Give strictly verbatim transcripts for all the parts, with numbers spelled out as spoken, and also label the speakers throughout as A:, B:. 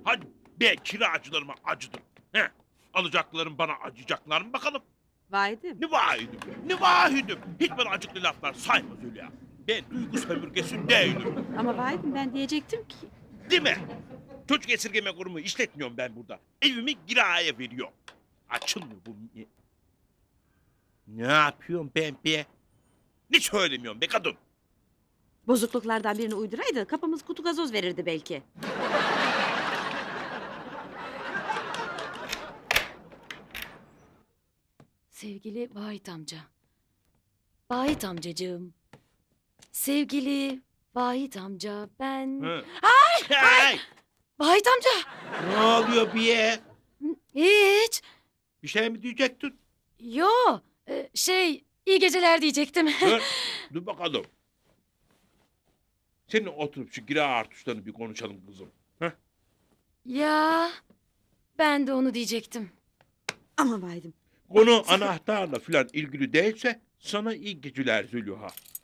A: Hadi be kiracılarıma acıdım. He, alacaklarım bana acıyacaklar mı bakalım?
B: Vahidim.
A: Ne vahidim, ne vahidim. Hiç bana acıklı laflar saymaz öyle ya. Ben duygu sömürgesi değilim.
B: Ama Vahidim ben diyecektim ki.
A: Değil mi? Çocuk esirgeme kurumu işletmiyorum ben burada. Evimi kiraya veriyorum. Açılmıyor bu. Ne, ne yapıyorum ben be? Ne söylemiyorum be kadın?
B: Bozukluklardan birini uyduraydı kapımız kutu gazoz verirdi belki.
C: Sevgili Vahit amca. Vahit amcacığım. Sevgili Vahit amca ben...
A: Hı. Ay, ay.
C: Vahit amca!
A: Ne oluyor bir?
C: Hiç.
A: Bir şey mi diyecektin?
C: Yo. e, Şey iyi geceler diyecektim.
A: Dur, dur bakalım. Seninle oturup şu kira artışlarını bir konuşalım kızım. Heh?
C: Ya ben de onu diyecektim.
B: Ama Vahidim.
A: Konu anahtarla falan ilgili değilse sana iyi geceler Zülüha.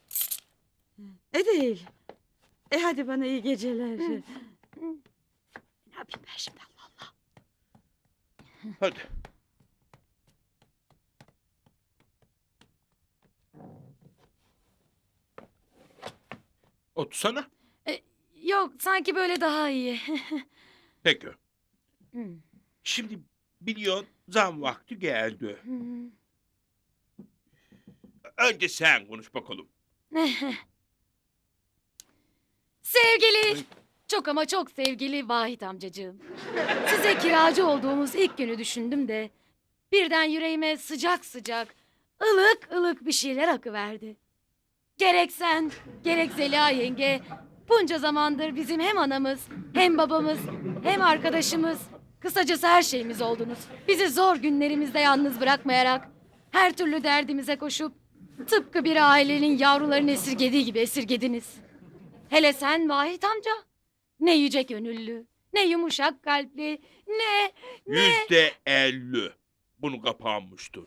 B: E değil. E hadi bana iyi geceler. Ne yapayım ben şimdi Allah Allah.
A: Hadi. Otursana.
C: E, Yok sanki böyle daha iyi.
A: Peki.
C: Hmm.
A: Şimdi biliyorsun zam vakti geldi.
C: Hmm.
A: Önce sen konuş bakalım.
C: Sevgili, çok ama çok sevgili Vahit amcacığım. Size kiracı olduğumuz ilk günü düşündüm de... ...birden yüreğime sıcak sıcak, ılık ılık bir şeyler akıverdi. Gerek sen, gerek Zeliha yenge... ...bunca zamandır bizim hem anamız, hem babamız, hem arkadaşımız... ...kısacası her şeyimiz oldunuz. Bizi zor günlerimizde yalnız bırakmayarak... ...her türlü derdimize koşup... ...tıpkı bir ailenin yavrularını esirgediği gibi esirgediniz. Hele sen Vahit amca. Ne yüce gönüllü, ne yumuşak kalpli, ne...
A: Yüzde elli. Bunu kapanmıştır.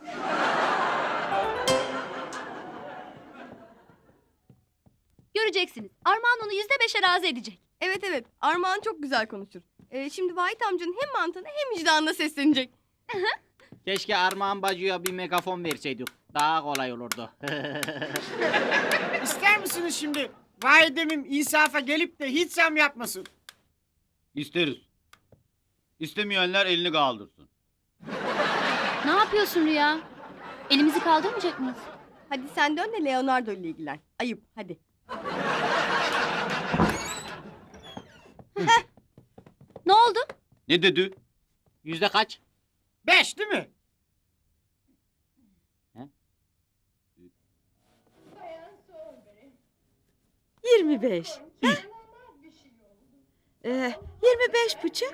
D: Göreceksiniz. Armağan onu yüzde beşe razı edecek.
E: Evet evet. Armağan çok güzel konuşur. Ee, şimdi Vahit amcanın hem mantığına hem vicdanına seslenecek.
F: Keşke Armağan Bacı'ya bir megafon verseydik. Daha kolay olurdu.
G: İster misiniz şimdi validemim insafa gelip de hiç zam yapmasın?
H: İsteriz. İstemeyenler elini kaldırsın.
D: Ne yapıyorsun Rüya? Elimizi kaldırmayacak mıyız?
E: Hadi sen dön de Leonardo ile ilgilen. Ayıp hadi.
D: Ne oldu?
H: Ne dedi?
F: Yüzde kaç?
G: Beş değil mi?
B: Yirmi beş. Ee, yirmi beş buçuk.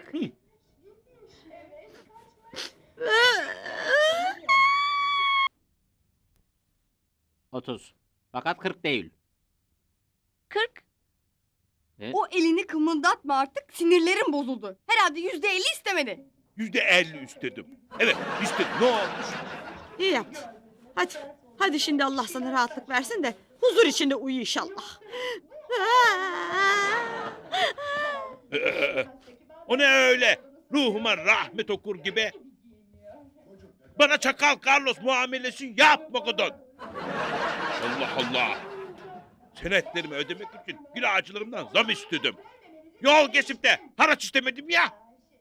F: Otuz. Fakat kırk değil.
D: Kırk.
E: O elini kımıldatma artık. Sinirlerim bozuldu. Herhalde yüzde elli istemedi.
A: Yüzde elli istedim. Evet istedim. Ne olmuş?
B: İyi yaptın. Hadi. Hadi şimdi Allah sana rahatlık versin de huzur içinde uyu inşallah.
A: Ee, o ne öyle? Ruhuma rahmet okur gibi. Bana çakal Carlos muamelesi yapma kadın. Allah Allah. Senetlerimi ödemek için kiracılarımdan zam istedim. Yol geçip de haraç istemedim ya.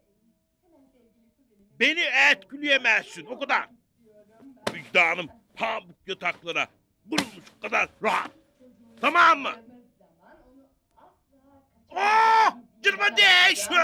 A: Beni etkileyemezsin o kadar. Vicdanım pamuk yataklara vurulmuş kadar rahat. Tamam mı? Oh! Cırma değişsin!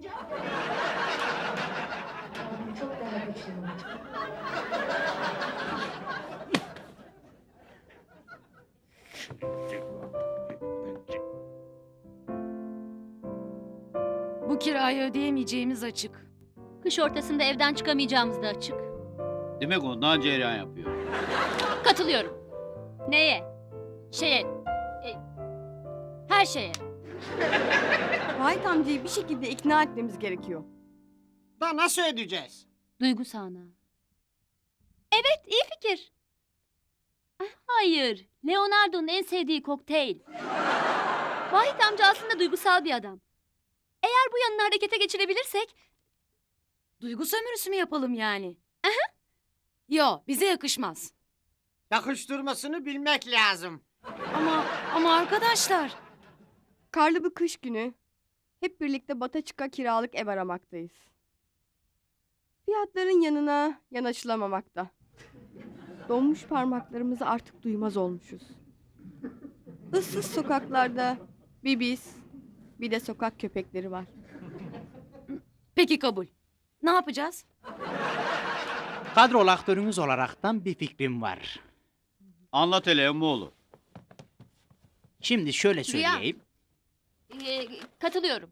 C: Bu kirayı ödeyemeyeceğimiz açık.
D: Kış ortasında evden çıkamayacağımız da açık.
H: Demek ondan cereyan yapıyor.
D: Katılıyorum. Neye? Şeye. e, her şeye.
E: Vahit amcayı bir şekilde ikna etmemiz gerekiyor.
G: Da nasıl ödeyeceğiz?
D: Duygu sahna. Evet, iyi fikir. Ah, hayır, Leonardo'nun en sevdiği kokteyl. Vahit amca aslında duygusal bir adam. Eğer Eğer bu yanını harekete geçirebilirsek...
C: Duygu sömürüsü mü yapalım yani? Aha. Yo, bize yakışmaz.
G: Yakıştırmasını bilmek lazım.
C: Ama ama arkadaşlar.
E: Karlı bir kış günü hep birlikte Bataçık'a kiralık ev aramaktayız. Fiyatların yanına yanaşılamamakta. Donmuş parmaklarımızı artık duymaz olmuşuz. Issız sokaklarda bir biz, bir de sokak köpekleri var.
C: Peki kabul. Ne yapacağız?
F: Kadrol aktörünüz olaraktan bir fikrim var.
H: Anlat hele emmoğlu.
F: Şimdi şöyle
D: Rüya.
F: söyleyeyim.
D: Ee, katılıyorum.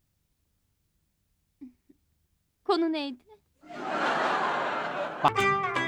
D: Konu neydi?
F: Bak,